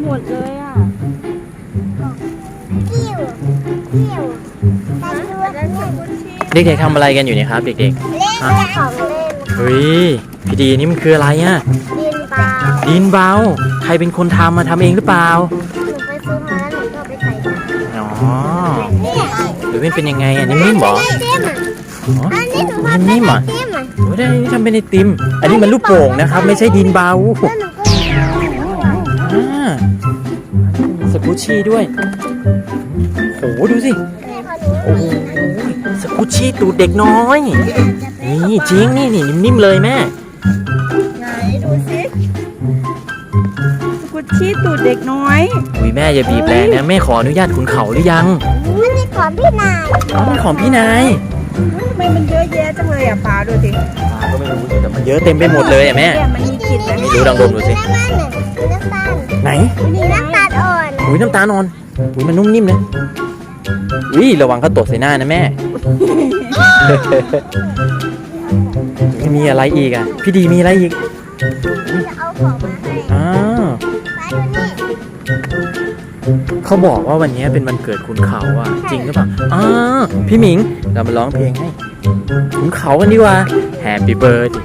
หมดเลยอ่ะกิ้วกิ้วแต่ดูเนี่ยเด็กๆทำอะไรกันอยู่เนี่ยครับเด็กเล่นของเล่นๆเฮ้ยพี่ดีนี่มันคืออะไรอ่ะดินเบาดินเบาใครเป็นคนทำมาทำเองหรือเปล่าหนูไปซื้อมาแล้วหนูก็ไปใส่มาอ๋อเนี่ยหรือเป็นยังไงอ่ะนิ่มๆเหรอไอติมอ๋ออันนี้หนูทำเป็นนิ่มๆไออ่ะติมอ่ะโอ้ได้นี่ทำเป็นไอติมอันนี้มันลูกโป่งนะครับไม่ใช่ดินเบาแล้วหนูก็อ่าสกูชชี่ด้วยโหดูสิโอ้โหสกูชชี่ตูดเด็กน้อยนี่จริงนี่นิ่มๆเลยแม่ไหนดูสิสกุชชี่ตูดเด็กน้อยอุ้ยแม่อย่าบีบแรงนะแม่ขออนุญาตขุนเขาหรือยังอันนี้ของพี่นายอ๋อมันของพี่นายทำไมมันเยอะแยะจังเลยอ่ะป้าดูสิป้าก็ไม่รู้สิแต่มันเยอะเต็มไปหมดเลยอ่ะแม่เนี่ยมันมีกลิ่นไหมไม่รู้ลองดมดูสิน้ำมันเนี่ยน้ำตาลไหนมีน้ำตาลอ่อนอุ้ยน้ำตาลอ่อนอุ้ยมันนุ่มนิ่มนะอุ้ยระวังเขาตกใส่หน้านะแม่ มีอะไรอีกอ่ะพี่ดีมีอะไรอีกจะเอาของมาให้อ้าวไปดูนี่เขาบอกว่าวันนี้เป็นวันเกิดคุณเขาอ่ะจริงหรือเปล่าอ้าวพี่หมิงเรามาร้องเพลงให้คุณเขากันดีกว่า Happy birthday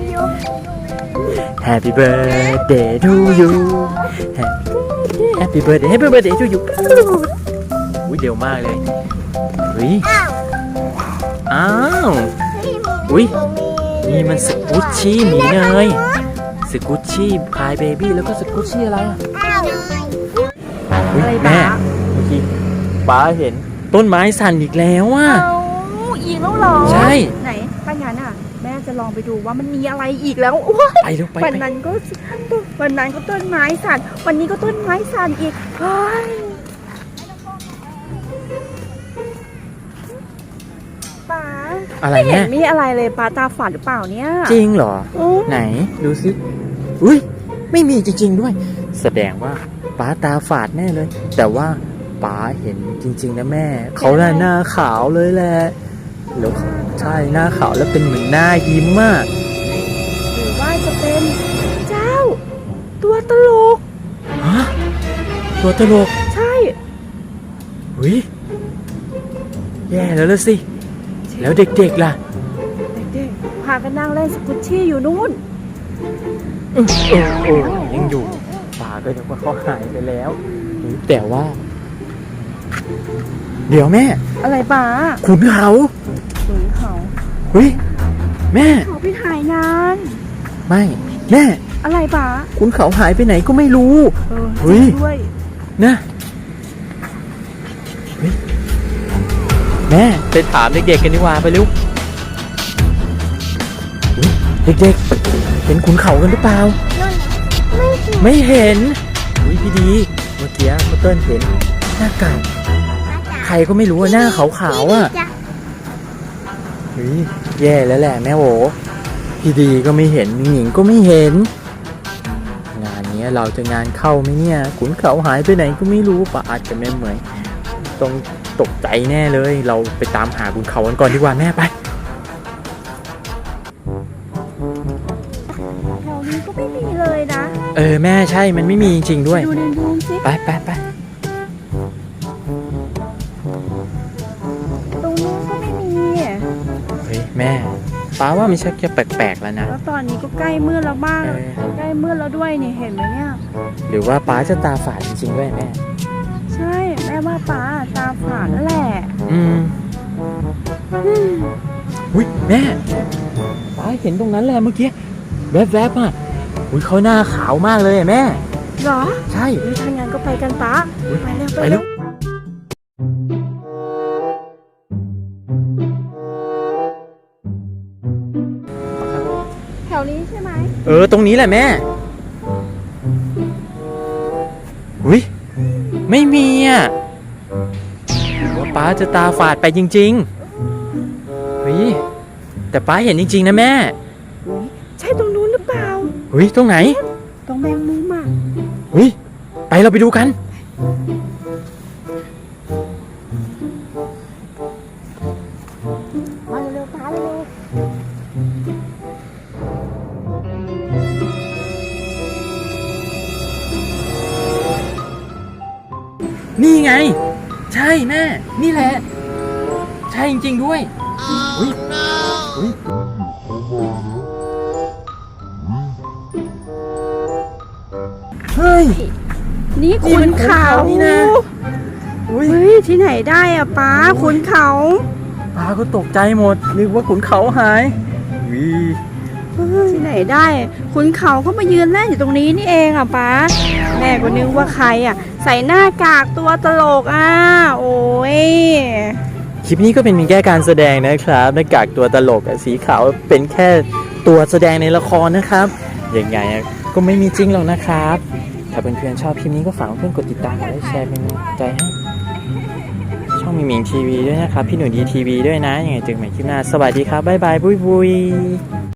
Happy birthday to you Happy birthday Happy birthday to you อุ้ยเร็วมากเลยเฮ้ยอ้าวอ้าวพี่อุ๊ยมีนี่มันสกูชชี่หมีเนยสกูชชี่พายเบบี้แล้วก็สกูชชี่อะไรอ่ะอ้าวอุ๊ยอะไรแม่ป้าเมื่อกี้ป้าเห็นต้นไม้สั่นอีกแล้วอ่ะเอาอีกแล้วเหรอใช่ไหนถ้างั้นอ่ะแม่จะลองไปดูว่ามันมีอะไรอีกแล้วว้ายไปเร็วไปวันไปนั้นก็ต้นไม้สั่นวันนี้ก็ต้นไม้สั่นอีกเฮ้ยป้าอะไรไม่เห็แม่นมีอะไรเลยป้าตาฝาดหรือเปล่าเนี่ยจริงเหรออืมไหนดูสิอุ้ยไม่มีจริง ๆด้วย แสดงว่าป้าตาฝาดแน่เลย แต่ว่าป้าเห็นจริง ๆนะแม่ เขาหน้าขาวเลยแหละแล้วใช่หน้าขาวแล้วเป็นเหมือนหน้ายิ้มมากหรือว่าจะเป็นเจ้า ตัวตลกฮะตัวตลกใช่หุยแย่แล้วละสิ แล้วเด็กๆล่ะเด็กๆพากันนั่งเล่นสกุชชี่อยู่นู่นยังอยู่ป่าก็ยังว่าเขาหายไปแล้วแต่ว่า เดี๋ยวแม่อะไรป้าขุนเขาขุนเขาเฮ้ยแม่เขาไปถ่ายงานไม่แม่อะไรป้าขุนเขาหายไปไหนก็ไม่รู้ เฮ้จริยงด้วยนะเฮ้ยแม่ไปถามเด็กๆกันดีกว่าไปเร็วเฮ้ยเด็กๆเห็นขุนเขากันหรือเปล่าไม่เห็นไม่เห็นอุ้ยพี่ดีเมื่อกี้เมื่อเติ้ลเห็นหน้ากากใครก็ไม่รู้ว่าหน้าขาวๆอ่ะเฮ้ยแย่แล้วแหละแม่โหพี่ดีก็ไม่เห็นหญิงก็ไม่เห็น งานนี้เราจะงานเข้าไหมเนี่ยขุนเขาหายไปไหนก็ไม่รู้ป่ะอาจจะไม่เหมือนต้องตกใจแน่เลย เราไปตามหาขุนเขากันก่อนดีกว่าแม่ไปแถวนี้ก็ไม่มีเลยนะแม่ใช่มันไม่มีจริงๆด้วยดูในรูมสิไปไปไปตรงนู้นก็ไม่มีเฮ้ยแม่ป้าว่ามันชักจะแปลกๆแล้วนะแล้วตอนนี้ก็ใกล้มืดแล้วบ้างเออใกล้มืดแล้วด้วยนี่เห็นไหมเนี่ยหรือว่าป้าจะตาฝาดจริงๆด้วยแม่ใช่แม่ว่าป้าตาฝาดนั่นแหละอุ้ยแม่ป้าเห็นตรงนั้นแหละเมื่อกี้แวบๆอ่ะอุ้ยเขาหน้าขาวมากเลยอะแม่เหรอใช่หรือทางงานก็ไปกันป้าอุ๊ยไปเร็วไปไปแล้เร็ววแถวนี้ใช่ไหมตรงนี้แหละแม่อุ้ยไม่มีอ่ะหรือว่าป้าจะตาฝาดไปจริงๆเฮ้ยแต่ป้าเห็นจริงๆนะแม่อุ๊ยใช่ตรงนู้นหรือเปล่าเฮ้ยตรงไหนตรงแมงมุมอ่ะเฮ้ยไปเราไปดูกันนี่ไง ใช่แม่ นี่แหละ ใช่จริงๆด้วยอุ้ยอุ้ยเฮ้ยนี่ขุนเขานี่นะอุ้ยเฮ้ยที่ไหนได้อะป้าขุนเขาปาก็ตกใจหมดนึกว่าขุนเขาหายวิที่ไหนได้ขุนเขาก็มายืนเล่นอยู่ตรงนี้นี่เองอะป้าแม่ก็นึกว่าใครอะใส่หน้ากากตัวตลกอะโอ้ยคลิปนี้ก็เป็นเพียงแค่การแสดงนะครับหน้ากากตัวตลกอะสีขาวเป็นแค่ตัวแสดงในละครนะครับยังไงอะก็ไม่มีจริงหรอกนะครับ ถ้าเพื่อนๆชอบคลิปนี้ก็ฝากเพื่อนกดติดตามและแชร์เป็นกำลังใจให้ช่องมิงมิงทีวีด้วยนะครับพี่หนูดีทีวีด้วยนะยังไงเจอกันใหม่คลิปหน้าสวัสดีครับบ๊ายบายบุยบุย